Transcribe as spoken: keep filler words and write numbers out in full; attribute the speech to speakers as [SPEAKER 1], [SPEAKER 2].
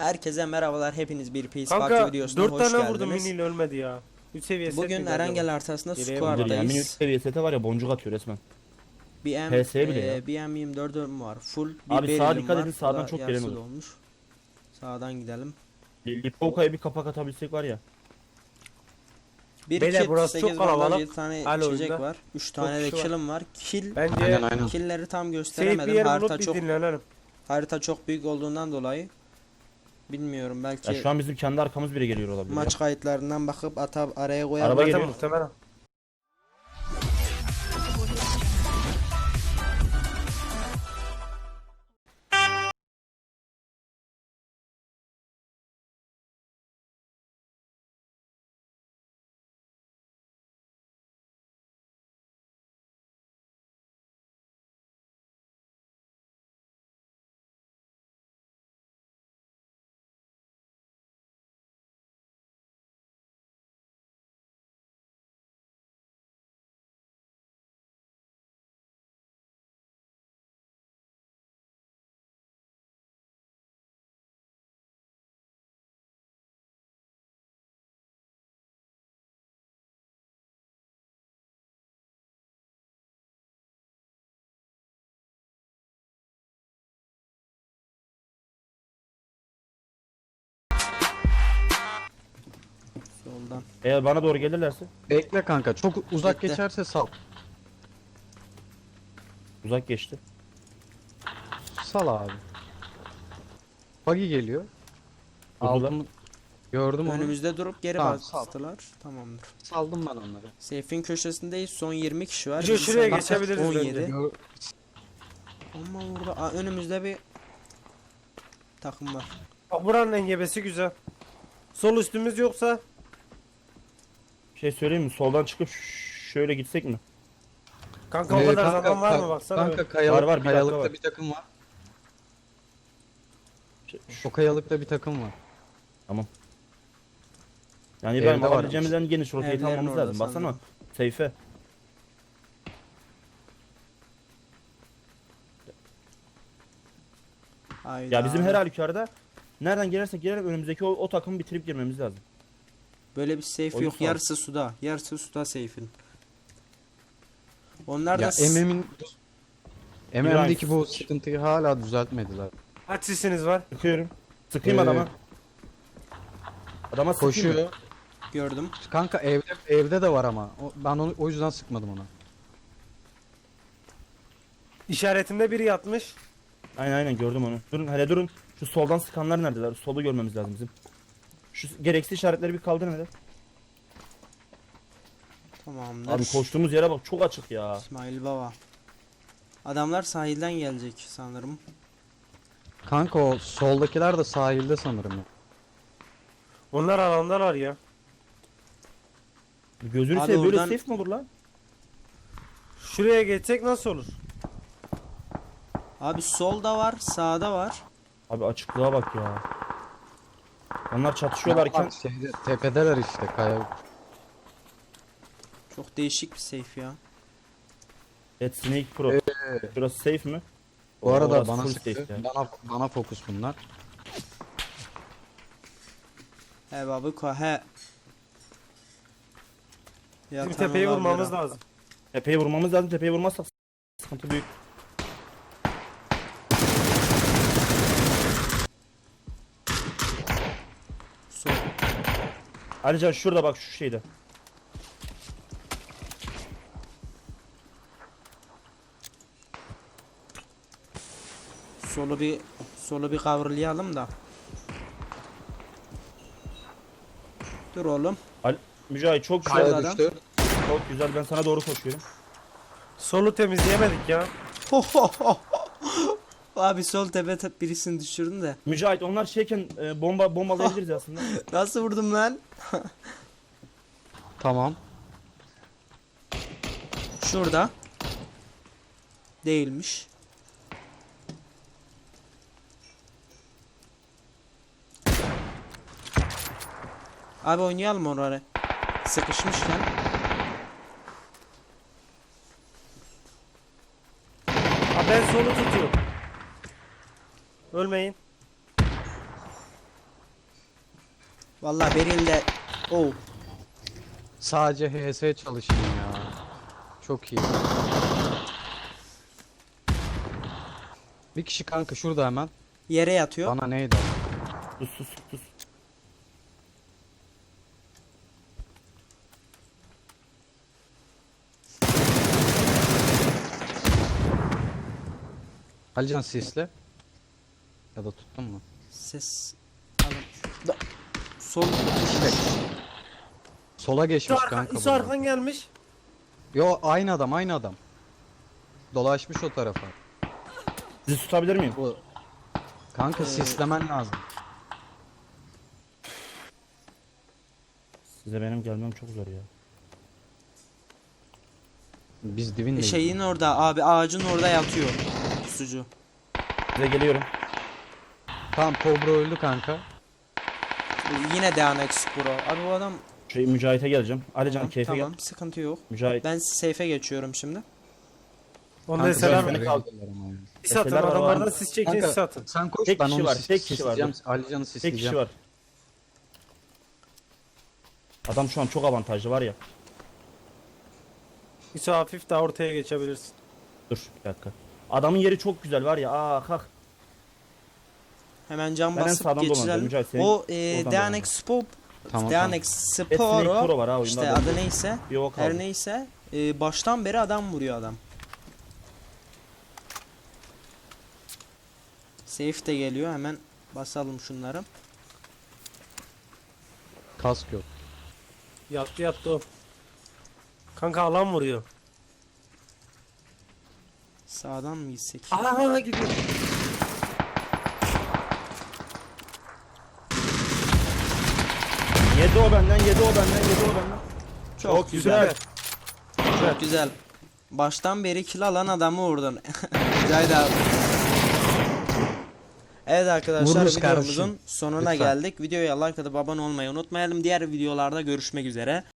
[SPEAKER 1] Herkese merhabalar, hepiniz bir Peace Party
[SPEAKER 2] Kanka
[SPEAKER 1] videosuna
[SPEAKER 2] dört
[SPEAKER 1] hoş
[SPEAKER 2] tane vurdum
[SPEAKER 1] geldiniz.
[SPEAKER 2] miniyle ölmedi ya. üç seviye set
[SPEAKER 1] Bugün
[SPEAKER 2] miydi acaba?
[SPEAKER 1] Erengel haritasında
[SPEAKER 2] Geriye
[SPEAKER 3] Dur ya, mini üç
[SPEAKER 1] squad'dayız.
[SPEAKER 3] seviye sete var ya, boncuk atıyor resmen.
[SPEAKER 1] B M,
[SPEAKER 3] P S bile ya.
[SPEAKER 1] e, B M yirmi dört'üm var. Full bir
[SPEAKER 3] Abi sağa
[SPEAKER 1] berilim
[SPEAKER 3] dikkat
[SPEAKER 1] var.
[SPEAKER 3] edin,
[SPEAKER 1] Bu
[SPEAKER 3] sağdan
[SPEAKER 1] da
[SPEAKER 3] çok
[SPEAKER 1] yarısı
[SPEAKER 3] gelen olur.
[SPEAKER 1] dolmuş. Sağdan gidelim.
[SPEAKER 3] Lipovka'ya bir kapak atabilsek var ya.
[SPEAKER 1] Bir
[SPEAKER 2] Beyler,
[SPEAKER 1] kit,
[SPEAKER 2] burası çok
[SPEAKER 1] sekiz bandaj,
[SPEAKER 2] kalabalık.
[SPEAKER 1] yedi tane
[SPEAKER 2] Alo
[SPEAKER 1] içecek
[SPEAKER 2] oyunda.
[SPEAKER 1] var. üç tane de
[SPEAKER 2] kişi var.
[SPEAKER 1] kill'im var. Kill,
[SPEAKER 2] Bence
[SPEAKER 4] Aynen aynen.
[SPEAKER 1] kill'leri tam
[SPEAKER 2] safe bir
[SPEAKER 1] gösteremedim.
[SPEAKER 2] yer
[SPEAKER 1] Harita
[SPEAKER 2] bulup bir
[SPEAKER 1] çok
[SPEAKER 2] dinlenelim.
[SPEAKER 1] harita çok büyük olduğundan dolayı bilmiyorum, belki
[SPEAKER 3] Ya şu an bizim kendi arkamız bile geliyor olabilir.
[SPEAKER 1] maç
[SPEAKER 3] ya.
[SPEAKER 1] kayıtlarından bakıp ata araya koyarım.
[SPEAKER 3] Araba
[SPEAKER 2] Zaten
[SPEAKER 3] geliyor.
[SPEAKER 2] muhtemelen.
[SPEAKER 1] Soldan.
[SPEAKER 3] Eğer bana doğru gelirlerse
[SPEAKER 4] Bekle kanka, çok uzak
[SPEAKER 1] Bekle.
[SPEAKER 4] geçerse sal.
[SPEAKER 3] uzak geçti.
[SPEAKER 4] Sal abi. Buggy geliyor.
[SPEAKER 3] Durdular.
[SPEAKER 4] Aldım. Gördüm onu.
[SPEAKER 1] Önümüzde durup geri
[SPEAKER 4] Tamam, sağ ol.
[SPEAKER 1] bastılar. Tamamdır.
[SPEAKER 4] Saldım ben onları.
[SPEAKER 1] Seyfin köşesindeyiz. Son yirmi kişi var.
[SPEAKER 2] Şu-
[SPEAKER 1] Biz
[SPEAKER 2] şuraya
[SPEAKER 1] sana-
[SPEAKER 2] geçebiliriz
[SPEAKER 1] on yedi.
[SPEAKER 2] bence.
[SPEAKER 4] Gör-
[SPEAKER 1] Ama burada aa, önümüzde bir takım var.
[SPEAKER 2] Bak buranın engebesi güzel. Sol üstümüz yoksa
[SPEAKER 3] Bir şey söyleyeyim mi? Soldan çıkıp ş- şöyle gitsek mi?
[SPEAKER 2] kanka o
[SPEAKER 4] Ee,
[SPEAKER 2] kadar
[SPEAKER 4] kanka,
[SPEAKER 2] zaman var mı
[SPEAKER 4] ka-
[SPEAKER 2] baksana.
[SPEAKER 4] Kanka
[SPEAKER 2] be.
[SPEAKER 4] kayalık,
[SPEAKER 3] Var, var, bir dakika
[SPEAKER 4] kayalıkta
[SPEAKER 3] var.
[SPEAKER 4] bir takım var.
[SPEAKER 3] Şey,
[SPEAKER 4] O kayalıkta bir takım var.
[SPEAKER 3] Yani
[SPEAKER 4] Evde
[SPEAKER 3] ben
[SPEAKER 4] var
[SPEAKER 3] alabileceğimiz en geniş rotayı
[SPEAKER 1] Evlerin
[SPEAKER 3] almamız
[SPEAKER 1] orada
[SPEAKER 3] lazım. Baksana.
[SPEAKER 1] sandım.
[SPEAKER 3] Seyfe.
[SPEAKER 1] Hayda.
[SPEAKER 3] Ya bizim her halükarda nereden gelirsek gelelim önümüzdeki o, o takımı bitirip girmemiz lazım.
[SPEAKER 1] Böyle bir safe
[SPEAKER 3] Oyun
[SPEAKER 1] yok.
[SPEAKER 3] sağ.
[SPEAKER 1] Yarısı suda. Yarısı suda safe'in. Onlar da
[SPEAKER 4] Ya
[SPEAKER 1] s-
[SPEAKER 4] M M'in M M'deki bu sıkıntıyı hala düzeltmediler.
[SPEAKER 2] Kaç sisiniz var?
[SPEAKER 3] Sıkıyorum. Sıkayım
[SPEAKER 4] Ee,
[SPEAKER 3] adama. Adama sıkayım mı?
[SPEAKER 4] Koşuyor.
[SPEAKER 1] gördüm.
[SPEAKER 4] Kanka evde evde de var ama. O- ben onu o yüzden sıkmadım ona.
[SPEAKER 2] İşaretimde biri yatmış.
[SPEAKER 3] Aynen aynen gördüm onu. Durun hele durun. Şu soldan sıkanlar neredeler? Solu görmemiz lazım bizim. Şu gereksiz işaretleri bir kaldırın hele.
[SPEAKER 1] Tamamdır.
[SPEAKER 3] Abi koştuğumuz yere bak, çok açık ya.
[SPEAKER 1] İsmail Baba. Adamlar sahilden gelecek sanırım.
[SPEAKER 4] Kanka o soldakiler de sahilde sanırım ya.
[SPEAKER 2] Onlar alandalar ya.
[SPEAKER 3] Gözünü
[SPEAKER 1] Abi
[SPEAKER 3] seveyim, böyle
[SPEAKER 1] oradan-
[SPEAKER 3] safe mi olur lan?
[SPEAKER 2] Şuraya geçsek nasıl olur?
[SPEAKER 1] Abi solda var, sağda var.
[SPEAKER 3] Abi açıklığa bak ya. Onlar çatışıyorlarken
[SPEAKER 4] Onlar şeyde, tepedeler işte kaya.
[SPEAKER 1] Çok değişik bir safe ya.
[SPEAKER 3] Ed Snake Pro. Burası safe mi?
[SPEAKER 4] Bu arada
[SPEAKER 3] Orası
[SPEAKER 4] bana
[SPEAKER 3] full
[SPEAKER 4] sıktı.
[SPEAKER 3] safe ya.
[SPEAKER 4] Bana bana fokus bunlar.
[SPEAKER 1] He babı ko he.
[SPEAKER 2] Bizim
[SPEAKER 1] Yatan
[SPEAKER 2] tepeyi
[SPEAKER 1] olabilir
[SPEAKER 2] vurmamız
[SPEAKER 1] ha.
[SPEAKER 2] lazım.
[SPEAKER 3] Tepeyi vurmamız lazım. Tepeyi vurmazsak sıkıntı büyük.
[SPEAKER 1] Sol.
[SPEAKER 3] Ayrıca şurada bak, şu şeyde.
[SPEAKER 1] Solu bir solu bir kavrulayalım da. Dur oğlum.
[SPEAKER 3] Al Mücahit çok güzel.
[SPEAKER 1] Kaya-
[SPEAKER 4] Kaya
[SPEAKER 1] adam.
[SPEAKER 4] düştü.
[SPEAKER 3] Çok güzel. Ben sana doğru koşuyorum.
[SPEAKER 2] Solu temizleyemedik ya.
[SPEAKER 1] Abi sol tepe te- birisini düşürdün de.
[SPEAKER 3] Mücahit onlar şeyken e, bomba bombalayabiliriz aslında.
[SPEAKER 1] Nasıl vurdum lan?
[SPEAKER 4] Tamam.
[SPEAKER 1] Şurada. Değilmiş. Abi oynayalım oraya. Sıkışmışken.
[SPEAKER 2] Ha, ben solu tutuyorum. Ölmeyin.
[SPEAKER 1] Vallahi Beril de oh.
[SPEAKER 4] Sadece H S çalışayım ya. Çok iyi. Bir kişi kanka şurada hemen.
[SPEAKER 1] Yere yatıyor.
[SPEAKER 4] Bana neydi?
[SPEAKER 3] Sus sus sus.
[SPEAKER 4] Alican sisle. Ya da tuttun mu?
[SPEAKER 1] Ses alın. Da- Sol
[SPEAKER 4] Sola
[SPEAKER 2] İso,
[SPEAKER 4] geçmiş
[SPEAKER 2] arka,
[SPEAKER 4] kanka.
[SPEAKER 2] İso
[SPEAKER 4] bunlar.
[SPEAKER 2] arkan gelmiş.
[SPEAKER 4] Yo aynı adam aynı adam. Dolaşmış o tarafa.
[SPEAKER 3] Sizi tutabilir miyim?
[SPEAKER 4] Bu kanka sislemen lazım.
[SPEAKER 3] Size benim gelmem çok zor ya.
[SPEAKER 4] Biz dibindeyiz.
[SPEAKER 1] şeyin orada abi, ağacın orada yatıyor. Pusucu.
[SPEAKER 3] Size geliyorum.
[SPEAKER 4] Tamam Kobra öldü kanka.
[SPEAKER 1] Yine Deanex Pro. Abi bu adam
[SPEAKER 3] Şey Mücahit'e geleceğim. Alican
[SPEAKER 1] tamam,
[SPEAKER 3] keyfe
[SPEAKER 1] tamam
[SPEAKER 3] gel.
[SPEAKER 1] sıkıntı yok.
[SPEAKER 3] Mücahit.
[SPEAKER 1] Ben safe'e geçiyorum şimdi.
[SPEAKER 2] Onda
[SPEAKER 4] Kanka,
[SPEAKER 2] selam.
[SPEAKER 3] beni
[SPEAKER 4] beni
[SPEAKER 3] kal-
[SPEAKER 2] Sis atın
[SPEAKER 3] Eseler var,
[SPEAKER 2] adamlardan
[SPEAKER 3] var.
[SPEAKER 2] siz çekin
[SPEAKER 4] Kanka,
[SPEAKER 2] sis atın.
[SPEAKER 4] sen koş
[SPEAKER 3] Tek
[SPEAKER 4] ben
[SPEAKER 3] kişi
[SPEAKER 4] onu
[SPEAKER 3] var,
[SPEAKER 4] sis-
[SPEAKER 3] tek kişi var.
[SPEAKER 4] sisleyeceğim. Alican'ı
[SPEAKER 3] Tek
[SPEAKER 4] sisleyeceğim.
[SPEAKER 3] kişi var. Adam şu an çok avantajlı var ya.
[SPEAKER 2] İso hafif daha ortaya geçebilirsin.
[SPEAKER 3] Dur bir dakika. Adamın yeri çok güzel var ya. Aa kalk.
[SPEAKER 1] Hemen cam
[SPEAKER 3] Ben en
[SPEAKER 1] basıp
[SPEAKER 3] sağdan dolanacağım,
[SPEAKER 1] geçirelim.
[SPEAKER 3] Mücahit, senin
[SPEAKER 1] O e,
[SPEAKER 3] oradan
[SPEAKER 1] Deanex Pro,
[SPEAKER 4] Tamam,
[SPEAKER 1] Deanex
[SPEAKER 3] Snake
[SPEAKER 1] Sporo
[SPEAKER 3] Pro var ha oyunda.
[SPEAKER 1] işte
[SPEAKER 3] adam.
[SPEAKER 1] adı neyse,
[SPEAKER 3] Bir o kaldı.
[SPEAKER 1] her neyse e, baştan beri adam vuruyor adam. Safe de geliyor, hemen basalım şunları.
[SPEAKER 4] Kask yok.
[SPEAKER 2] Yattı yattı o. Kanka alan vuruyor.
[SPEAKER 1] Sağdan mı gitsek?
[SPEAKER 2] Aha gidiyor.
[SPEAKER 3] Yedi o benden, yedi o benden, yedi o benden.
[SPEAKER 1] Çok,
[SPEAKER 2] Çok
[SPEAKER 1] güzel.
[SPEAKER 2] güzel.
[SPEAKER 1] Çok güzel. Baştan beri kill alan adamı vurdun. Cahit abi. Evet arkadaşlar,
[SPEAKER 4] Vururuz
[SPEAKER 1] videomuzun
[SPEAKER 4] kardeşim.
[SPEAKER 1] sonuna
[SPEAKER 4] Lütfen.
[SPEAKER 1] geldik. Videoya like atıp abone olmayı unutmayalım. Diğer videolarda görüşmek üzere.